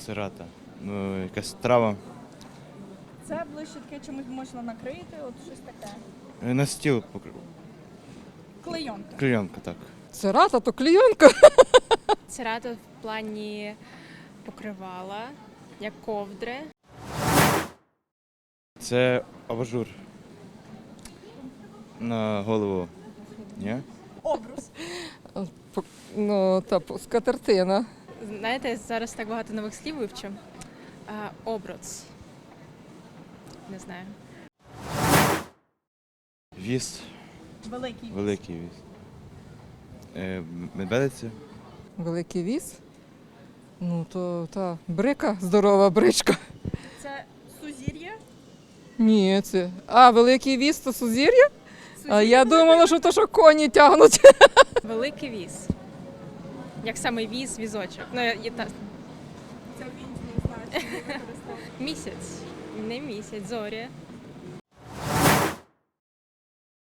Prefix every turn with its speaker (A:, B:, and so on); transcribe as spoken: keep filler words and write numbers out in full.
A: Сирата. Ну, якась трава.
B: Це ближче таке чимось можна накрити, от щось таке.
A: Е, На стіл покр-
B: Клейонка.
A: клейонка, так.
C: Цирата, то клійонка.
D: Церата в плані покривала, як ковдри.
A: Це абажур. На голову. Ні?
B: Обрус.
C: Ну, та п- скатертина.
D: Знаєте, зараз так багато нових слів вивчу. А, обруц. Не знаю.
A: Віз.
B: Великий.
A: Великий віз. Е, Медведиця.
C: Великий віз. Ну, то та брика, здорова бричка.
B: Це сузір'я.
C: Ні, це. А, великий віз то сузір'я? А
B: Сузір'я
C: я
B: велике.
C: думала, що то, що коні тягнуть.
D: Великий віз. Як саме віз, візочок. Ну, є та...
B: Це він не знаю, чи не використовує.
D: Місяць. Не місяць, зоря.